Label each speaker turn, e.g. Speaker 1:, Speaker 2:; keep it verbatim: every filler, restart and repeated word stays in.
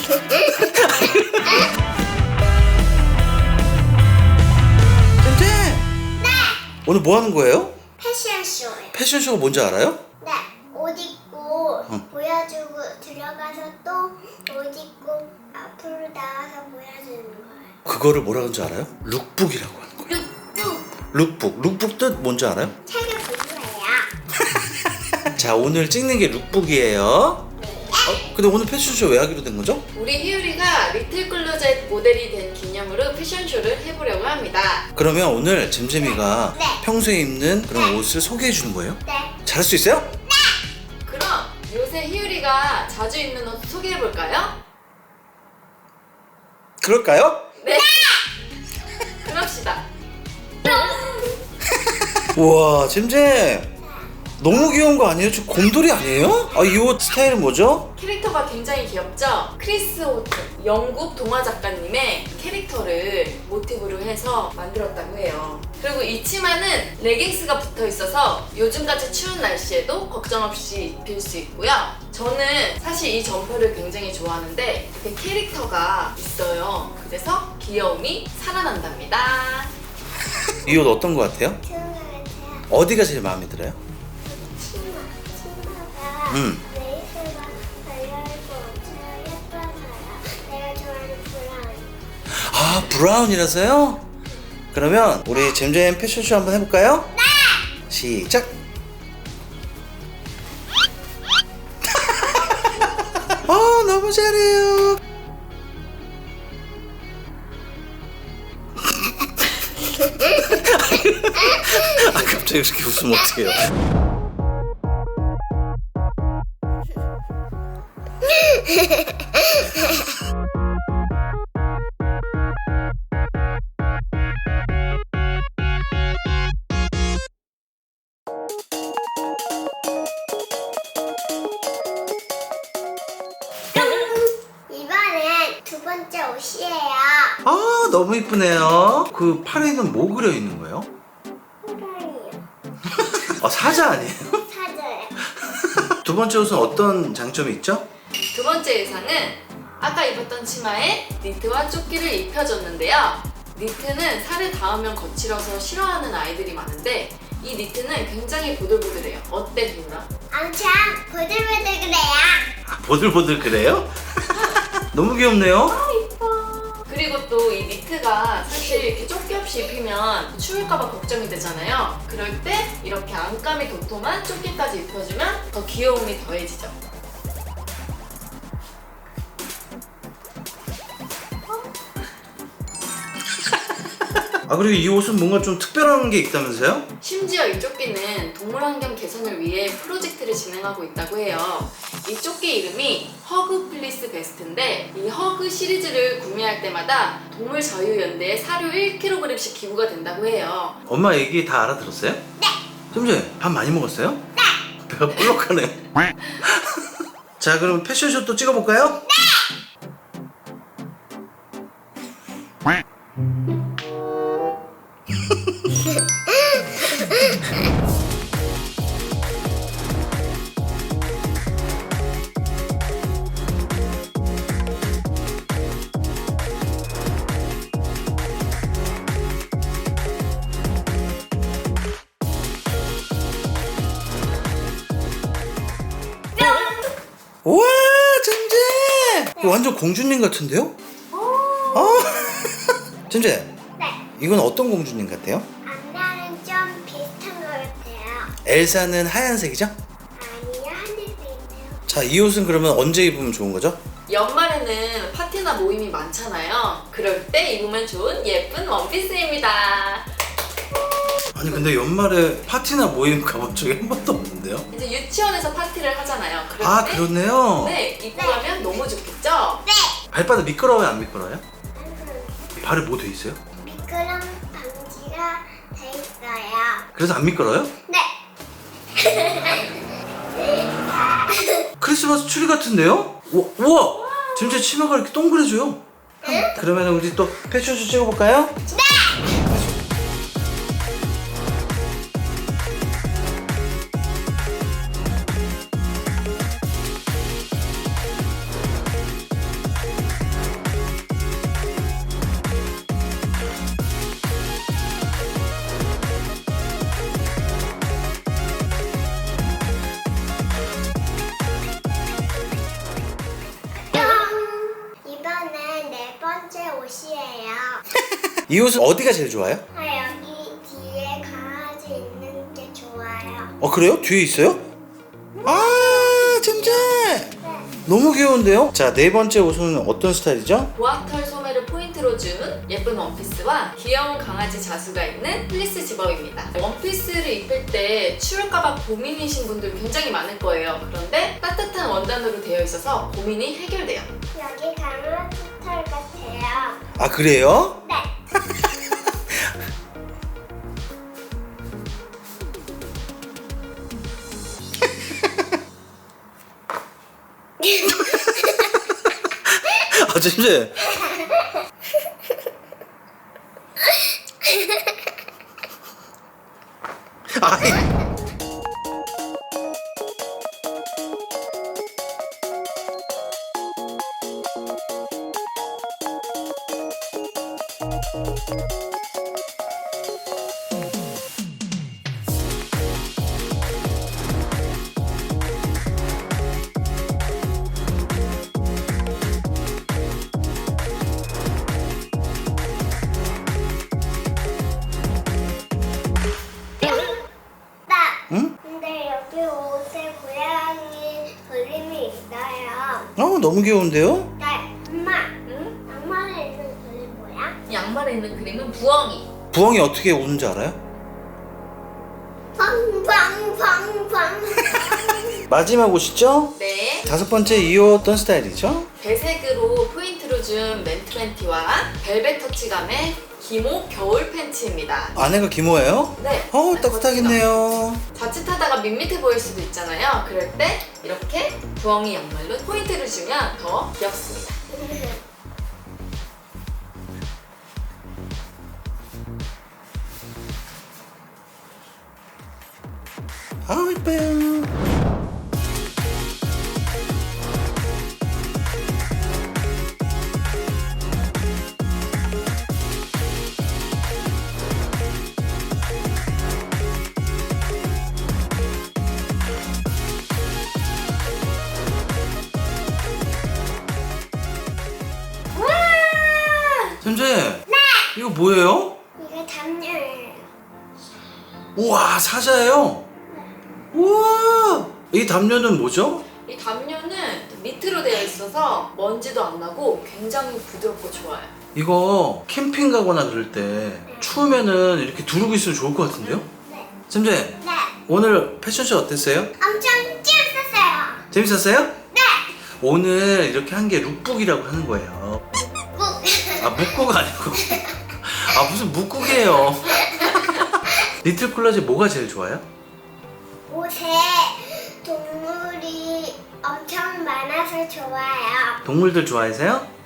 Speaker 1: 잼잼! 네! 오늘 뭐 하는 거예요?
Speaker 2: 패션쇼예요.
Speaker 1: 패션쇼가 뭔지 알아요?
Speaker 2: 네, 옷 입고
Speaker 1: 응.
Speaker 2: 보여주고 들어가서 또 옷 입고 앞으로 나와서 보여주는 거예요.
Speaker 1: 그거를 뭐라 하는지 알아요? 룩북이라고 하는 거예요.
Speaker 2: 룩북
Speaker 1: 룩북. 룩북 뜻 뭔지 알아요?
Speaker 2: 책을 공부해요.
Speaker 1: 자, 오늘 찍는 게 룩북이에요.
Speaker 2: 네.
Speaker 1: 어, 근데 오늘 패션쇼 왜 하기로 된 거죠?
Speaker 3: 우리 희율이가 리틀 클로젯 모델이 된 기념으로 패션쇼를 해보려고 합니다.
Speaker 1: 그러면 오늘 잼잼이가
Speaker 2: 네.
Speaker 1: 평소에 입는 그런 옷을 소개해 주는 거예요?
Speaker 2: 네.
Speaker 1: 잘할 수 있어요?
Speaker 3: 그럼 요새 희율이가 자주 입는 옷 소개해볼까요?
Speaker 1: 그럴까요?
Speaker 3: 네! 그럽시다.
Speaker 1: 우와, 잼잼 너무 귀여운 거 아니에요? 저 곰돌이 아니에요? 아, 이 옷 스타일은 뭐죠?
Speaker 3: 캐릭터가 굉장히 귀엽죠? 크리스 호트, 영국 동화 작가님의 캐릭터를 모티브로 해서 만들었다고 해요. 그리고 이 치마는 레깅스가 붙어 있어서 요즘같이 추운 날씨에도 걱정 없이 입힐 수 있고요. 저는 사실 이 점퍼를 굉장히 좋아하는데 이렇게 캐릭터가 있어요. 그래서 귀여움이 살아난답니다.
Speaker 1: 이 옷 어떤 거 같아요?
Speaker 2: 좋은 것 같아요.
Speaker 1: 어디가 제일 마음에 들어요?
Speaker 2: 치마. 치마가
Speaker 1: 음.
Speaker 2: 레이스가 달려있고 엄청 예뻐서요. 내가 좋아하는 브라운.
Speaker 1: 아, 브라운이라서요? 그러면 우리 잼잼 패션쇼 한번 해볼까요? 네! 시작! 아, 너무 잘해요. 아, 갑자기 이렇게 웃으면 어떡해요?
Speaker 2: 이번엔 두 번째 옷이에요.
Speaker 1: 아, 너무 이쁘네요. 그 팔에는 뭐 그려 있는 거예요?
Speaker 2: 호랑이요.
Speaker 1: 아, 사자 아니에요?
Speaker 2: 사자예요.
Speaker 1: 두 번째 옷은 어떤 장점이 있죠?
Speaker 3: 두 번째 의상은 아까 입었던 치마에 니트와 조끼를 입혀줬는데요. 니트는 살에 닿으면 거칠어서 싫어하는 아이들이 많은데 이 니트는 굉장히 보들보들해요. 어때, 희율아?
Speaker 2: 엄청 보들보들 그래요.
Speaker 1: 아, 보들보들 그래요? 너무 귀엽네요.
Speaker 3: 그리고 또 이 니트가 사실 이렇게 조끼 없이 입히면 추울까봐 걱정이 되잖아요. 그럴 때 이렇게 안감이 도톰한 조끼까지 입혀주면 더 귀여움이 더해지죠.
Speaker 1: 아, 그리고 이 옷은 뭔가 좀 특별한 게 있다면서요?
Speaker 3: 심지어 이 조끼는 동물환경 개선을 위해 프로젝트를 진행하고 있다고 해요. 이 조끼 이름이 허그 플리스 베스트인데 이 허그 시리즈를 구매할 때마다 동물자유연대에 사료 일 킬로그램씩 기부가 된다고 해요.
Speaker 1: 엄마 얘기 다 알아들었어요? 네. 잼잼, 밥 많이 먹었어요? 네. 배가 볼록하네. 자, 그럼 패션쇼 또 찍어볼까요? 네. 우와, 잼잼! 이거 완전 공주님 같은데요? 어? 잼잼,
Speaker 2: 네.
Speaker 1: 이건 어떤 공주님 같아요?
Speaker 2: 앞날은 좀 비슷한 것 같아요.
Speaker 1: 엘사는 하얀색이죠?
Speaker 2: 아니요, 하늘색이네요.
Speaker 1: 자, 이 옷은 그러면 언제 입으면 좋은 거죠?
Speaker 3: 연말에는 파티나 모임이 많잖아요. 그럴 때 입으면 좋은 예쁜 원피스입니다.
Speaker 1: 아니, 근데 연말에 파티나 모임 가본 적이 한 번도 없는데요?
Speaker 3: 이제 유치원에서 파티를 하잖아요. 그럴
Speaker 1: 아,
Speaker 3: 때
Speaker 1: 그렇네요.
Speaker 3: 네, 입고 가면 너무 좋겠죠?
Speaker 2: 네.
Speaker 1: 발바닥 미끄러워요, 안 미끄러워요?
Speaker 2: 음,
Speaker 1: 발에 뭐 돼 있어요?
Speaker 2: 미끄럼 방지가 돼 있어요.
Speaker 1: 그래서 안 미끄러워요?
Speaker 2: 네.
Speaker 1: 크리스마스 추리 같은데요? 우와, 우와! 진짜 치마가 이렇게 동그래져요. 그러면 우리 또 패션쇼 찍어볼까요?
Speaker 2: 네. 번째 옷이에요.
Speaker 1: 이 옷은 어디가 제일 좋아요?
Speaker 2: 아, 여기 뒤에 강아지 있는 게 좋아요.
Speaker 1: 어 그래요? 뒤에 있어요? 아 잼잼
Speaker 2: 네.
Speaker 1: 너무 귀여운데요? 자 네 번째 옷은 어떤 스타일이죠?
Speaker 3: 보아털 소매를 포인트로 준 예쁜 원피스와 귀여운 강아지 자수가 있는 플리스 집업입니다. 원피스를 입을 때 추울까봐 고민이신 분들 굉장히 많을 거예요. 그런데 따뜻한 원단으로 되어 있어서 고민이 해결돼요.
Speaker 2: 여기 강아지 털 같아요.
Speaker 1: 아 그래요?
Speaker 2: 네.
Speaker 1: 아 잼잼 아이
Speaker 2: 나.
Speaker 1: 응?
Speaker 2: 근데 여기 옷에 고양이 그림이 있어요.
Speaker 1: 어 너무 귀여운데요?
Speaker 2: 네. 엄마.
Speaker 3: 응?
Speaker 2: 양말에 있는 그림 뭐야?
Speaker 3: 양말에 있는 그림은 부엉이.
Speaker 1: 부엉이 어떻게 우는지 알아요?
Speaker 2: 팡팡팡팡.
Speaker 1: 마지막 옷이죠?
Speaker 3: 네.
Speaker 1: 다섯 번째 이 옷 어떤 스타일이죠?
Speaker 3: 배색으로 포인트로 준 맨투 팬티와 벨벳 터치감의 기모 겨울 팬츠입니다.
Speaker 1: 안에가 기모예요?
Speaker 3: 네.
Speaker 1: 어우 따뜻하겠네요.
Speaker 3: 자칫하다가 밋밋해 보일 수도 있잖아요. 그럴 때 이렇게 부엉이 양말로 포인트를 주면 더 귀엽습니다.
Speaker 1: 아우 이뻐요.
Speaker 2: 와!
Speaker 1: 잼잼 이거 뭐예요?
Speaker 2: 이게 담요예요.
Speaker 1: 우와 사자예요? 우와 이 담요는 뭐죠?
Speaker 3: 이 담요는 니트로 되어 있어서 먼지도 안 나고 굉장히 부드럽고 좋아요.
Speaker 1: 이거 캠핑 가거나 그럴 때 추우면은 이렇게 두르고 있으면 좋을 것 같은데요?
Speaker 2: 네.
Speaker 1: 잼잼
Speaker 2: 네.
Speaker 1: 오늘 패션쇼 어땠어요?
Speaker 2: 엄청 재밌었어요.
Speaker 1: 재밌었어요?
Speaker 2: 네.
Speaker 1: 오늘 이렇게 한 게 룩북이라고 하는 거예요.
Speaker 2: 꾹.
Speaker 1: 아 묵국 아니고 아 무슨 묵국이에요. 리틀 콜라지 뭐가 제일 좋아요?
Speaker 2: 옷에 동물이 엄청 많아서 좋아요.
Speaker 1: 동물들 좋아하세요?